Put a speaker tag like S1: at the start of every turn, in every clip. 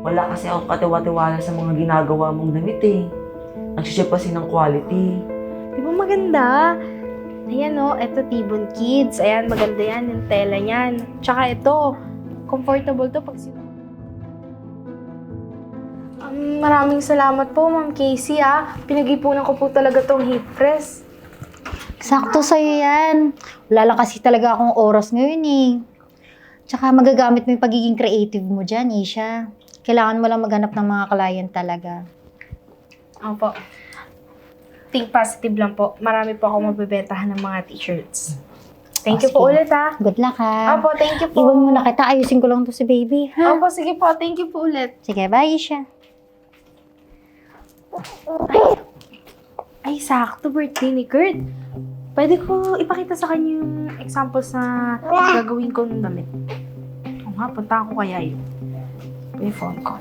S1: Wala kasi ako katiwa-tiwala sa mga ginagawa mong damit eh. Nagsiship kasi ng quality.
S2: Di ba maganda? Ayan o, eto Tibon Kids. Ayan, maganda yan yung tela niyan. Tsaka ito, comfortable to pag maraming salamat po, Ma'am Casey Pinag-ipunan ko po talaga tong hip press.
S3: Sakto sa'yo yan. Wala lang kasi talaga akong oras ngayon eh. Tsaka magagamit mo yung pagiging creative mo dyan, Isha. Kailangan mo lang maghanap ng mga client talaga.
S2: Opo. Think positive lang po. Marami po ako mabibentahan ng mga t-shirts. Thank you po ulit
S3: Good luck ha.
S2: Opo, thank you po.
S3: Iwan muna kita. Ayusin ko lang to si baby, ha?
S2: Opo, sige po. Thank you po ulit.
S3: Sige, bye, Isha.
S2: Ay, sakto. Birthday ni Kurt. Pwede ko ipakita sa kanya yung examples na gagawin ko ng damit. O nga, punta ako kaya yun. May phone ko.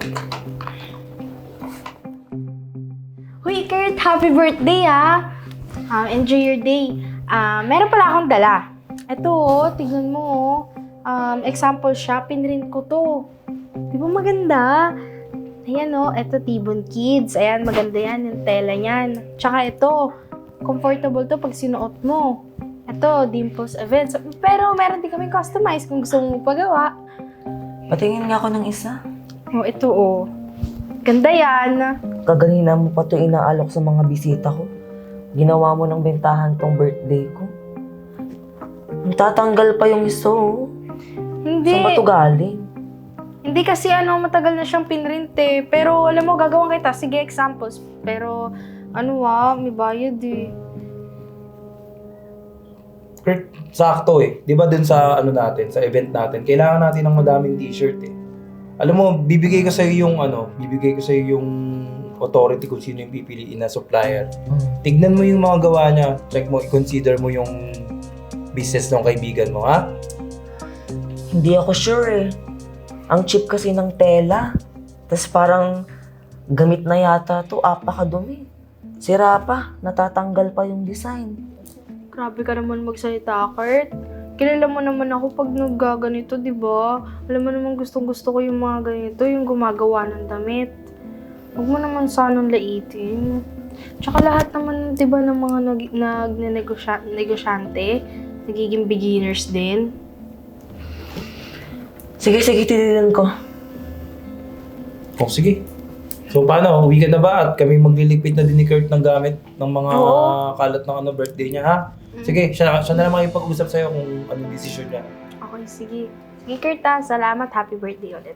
S2: Huy, Kurt! Happy birthday, enjoy your day. Meron pala akong dala. Ito, tignan mo, example siya. Pinrint ko to. Di ba maganda? Ayan, ito Tibon Kids. Ayan, maganda yan yung tela niyan. Tsaka ito, comfortable to pag sinuot mo. Ito, Dimples Events. Pero meron din kami customize kung gusto mo pagawa.
S1: Patingin nga ako ng isa.
S2: Ito, ganda yan.
S1: Kaganina mo pa ito inaalok sa mga bisita ko. Ginawa mo ng bentahan tong birthday ko. Tatanggal pa yung iso.
S2: Hindi.
S1: Saan ba ito galing?
S2: Hindi kasi matagal na siyang pinrint eh. Pero alam mo, gagawin kita. Sige, examples. Pero may bayad eh.
S4: Sakto eh. Di ba dun sa natin, sa event natin, kailangan natin ng madaming t-shirt eh. Alam mo, bibigay ko sa'yo yung authority kung sino yung pipiliin na supplier. Tignan mo yung mga gawa niya. Check mo, i-consider mo yung business ng kaibigan mo, ha?
S1: Hindi ako sure eh. Ang cheap kasi ng tela. Tapos parang gamit na yata to, apakadumi. Sira pa, natatanggal pa yung design.
S2: Grabe ka naman magsalita, Kurt. Kilala mo naman ako pag naggaganito, di ba? Alam mo naman gustong-gusto ko yung mga ganito, yung gumagawa ng damit. Huwag mo naman sanang laitin. Tsaka lahat naman, di ba, ng mga negosyante, nagiging beginners din.
S1: Sige, titinan ko.
S4: Sige. So paano, uwi ka na ba? At kami magliligpit na din ni Kurt ng gamit ng mga kalat ng birthday niya, ha? Sige, siya na lang makipag-usap sa'yo kung anong decision niya.
S2: Okay, sige. Sige, Kurt, salamat. Happy birthday ulit.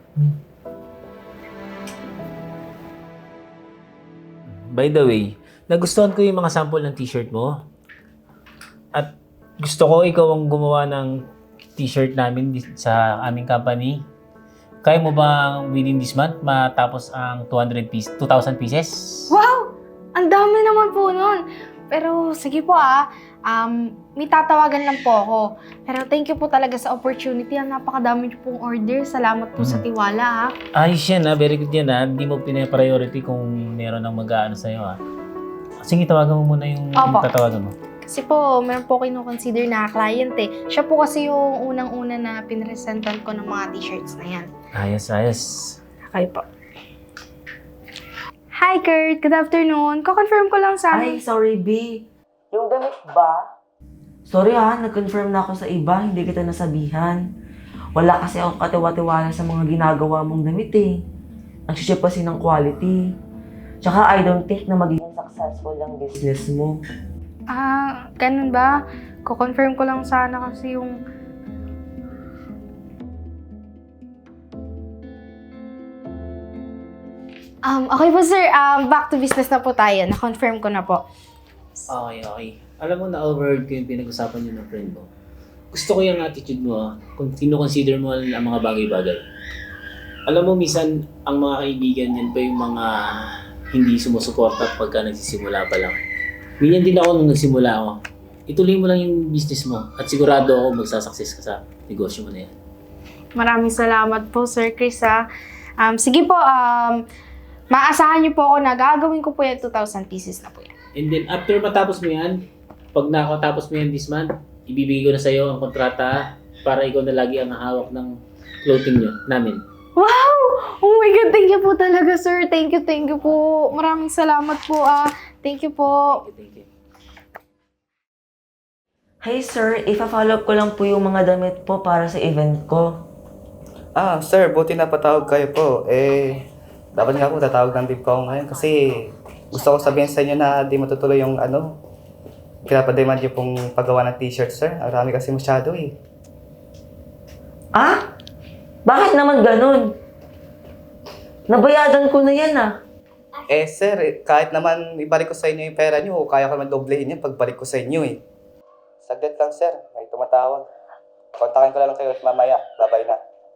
S5: By the way, nagustuhan ko yung mga sample ng t-shirt mo. At gusto ko ikaw ang gumawa ng t-shirt namin sa aming company. Kaya mo bang within this month matapos ang 2,000 pieces?
S2: Wow! Ang dami naman po nun. Pero sige po may tatawagan lang po ako. Pero thank you po talaga sa opportunity. Napakadami niyo pong order. Salamat po sa tiwala
S5: Ayos yan very good yan Hindi mo pina-priority kung meron ng mag-aano sa'yo Sige, tawagan mo muna yung tatawagan mo.
S2: Kasi po, meron po kino-consider na client eh. Siya po kasi yung unang-una na pinresentan ko ng mga t-shirts na yan.
S5: Ayos.
S2: Okay po. Hi Kurt, good afternoon. Ko-confirm ko lang sana.
S1: Ay, sorry B. Yung damit ba? Sorry nag-confirm na ako sa iba, hindi kita nasabihan. Wala kasi ako katiwa-tiwala sa mga ginagawa mong damit eh. Nagsiship kasi ng quality. Tsaka I don't think na magiging successful ang business mo.
S2: Ganun ba? Ko-confirm ko lang sana kasi yung... Okay po sir, back to business na po tayo. Na-confirm ko na po.
S5: Okay. Alam mo, na-overheard ko yung pinag-usapan niyo ng friend mo. Gusto ko yung attitude mo kung kino-consider mo ang mga bagay-bagay. Alam mo, minsan, ang mga kaibigan yan pa yung mga hindi sumusuporta pagka nagsisimula pa lang. Ganyan din ako nung nagsimula ako. Ituloy mo lang yung business mo at sigurado ako magsasucess ka sa negosyo mo na yan.
S2: Maraming salamat po Sir Chris sige po, maasahan niyo po ako na gagawin ko po yung 2,000 pieces na po yan.
S5: And then, after matapos mo yan, pag nakatapos mo yan this month, ibibigay ko na sa'yo ang kontrata para ikaw na lagi ang hawak ng clothing nyo, namin.
S2: Wow! Oh my God, thank you po talaga, sir. Thank you po. Maraming salamat po, Thank you po.
S5: Thank you.
S1: Hey sir, ipa-follow up ko lang po yung mga damit po para sa event ko.
S6: Sir, buti na patawag kayo po. Dapat nga po tatawag ng din po ako ngayon kasi gusto ko sabihin sa inyo na di matutuloy yung pinapademand niyo pong paggawa ng t-shirt, sir. Ang rami kasi masyado eh.
S1: Ah? Bakit naman ganun? Nabayadan ko na yan
S6: Sir, kahit naman ibalik ko sa inyo yung pera niyo, kaya ko naman doblehin yan pagbalik ko sa inyo eh. Saglit lang, sir. May tumatawag. Kontakin ko lang kayo at mamaya. Babay na.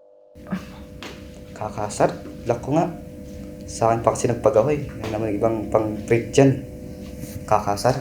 S6: Kakasar, luck ko nga. Sa akin pa kasi nagpagawa eh. May naman ibang pang-print dyan. Kakasar.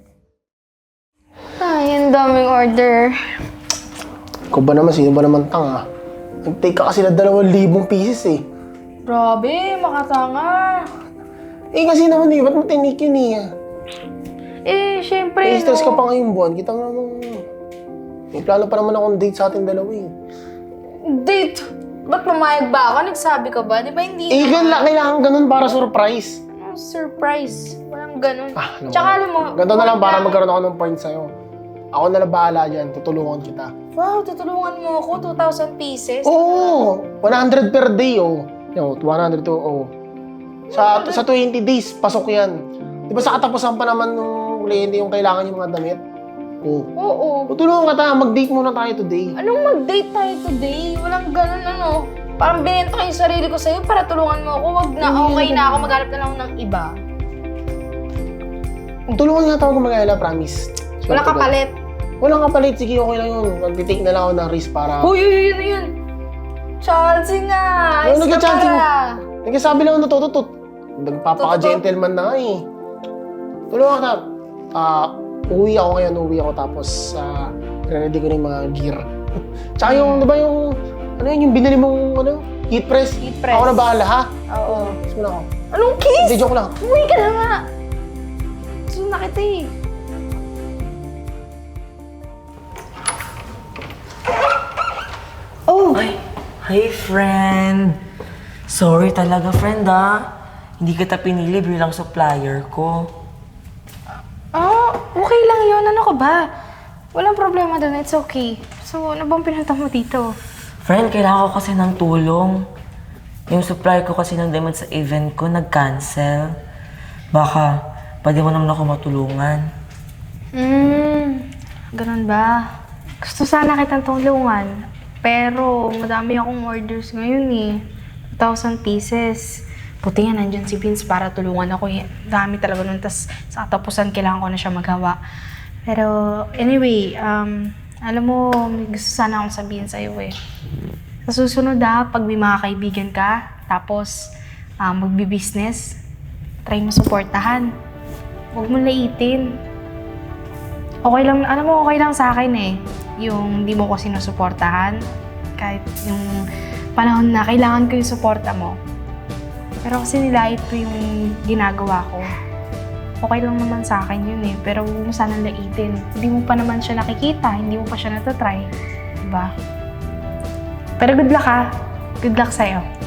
S2: Ay, ang daming order.
S7: Ikaw ba naman, sino ba naman tanga? Nag-take ka kasi na 2,000 pieces eh.
S2: Grabe, makatanga.
S7: Kasi naman ba't mo tinik yun
S2: Syempre,
S7: stress ka pa ngayong buwan. Kita mo naman, may plano pa naman akong date sa ating dalawa eh.
S2: Date? Ba't pumayag ba ako? Nagsabi ka ba? Di ba hindi
S7: Kailangan ganun para surprise.
S2: Surprise. Walang ganun.
S7: Alam mo,
S2: Tsaka alam mo,
S7: ganito na lang para magkaroon ako ng point sa'yo. Ako na lang bahala dyan, tutulungan kita.
S2: wow, tutulungan mo ako, 2,000 pieces.
S7: Oo! 100 per day, oh. 100 to, oh. Sa 20 days, pasok yan. Di ba sa katapusan pa naman nung kliyente yung kailangan yung mga damit? Oo.
S2: Oo.
S7: Tutulungan kita, mag-date muna tayo today.
S2: Anong mag-date tayo today? Walang ganun Parang binenta ko yung sarili ko sa'yo para tulungan mo ako. Wag na, okay na ako, maghanap na lang ako ng iba.
S7: Tulungan nga tayo kung mag-alala, promise.
S2: Walang kapalit.
S7: Walang kapalit, sige, okay lang yun. Mag-take na lang ako ng risk para...
S2: Uy, yun. Chancey nga.
S7: Ano
S2: Ayos ka
S7: nagka-chancey mo?
S2: para.
S7: Nagsasabi lang na tututut. Nagpapaka-gentleman na nga eh. Tulungan ka. Uwi ako tapos ready ko na yung mga gear. Tsaka yung, di ba yung, yung binili mong, heat press?
S2: Heat press.
S7: Ako na bahala, ha?
S2: Oo.
S7: Kiss mo na ako.
S2: Anong kiss?
S7: Hindi, joke lang.
S2: Uwi ka na nga. Gusto na kita eh. Oh!
S1: Ay, hi friend! Sorry talaga friend Hindi kita pinili bilang supplier ko.
S2: Okay lang yun. Ano ka ba? Walang problema doon. It's okay. So, ano bang pinunta mo dito?
S1: Friend, kailangan ko kasi ng tulong. Yung supplier ko kasi ng demand sa event ko nag-cancel. Baka, pwede mo naman ako matulungan.
S2: Ganun ba? Gusto sana kitang tulungan. Pero, madami akong orders ngayon eh. 2,000 pieces. Buti nga nandyan si Vince para tulungan ako. Dami talaga nun. Tas sa katapusan, kailangan ko na siya magawa. Pero, anyway, alam mo, may gusto sana akong sabihin sa'yo eh. Sa susunod pag may mga kaibigan ka, tapos magbi-business, try mo supportahan. Huwag mo laitin. Okay lang, alam mo, okay lang sa akin eh. Yung di mo ko sinusuportahan. Kahit yung panahon na kailangan ko yung suporta mo. Pero kasi nilait ko yung ginagawa ko. Okay lang naman sa akin yun eh. Pero huwag mo sanang laitin. Hindi mo pa naman siya nakikita. Hindi mo pa siya natatry. Diba? Pero good luck Good luck sa'yo.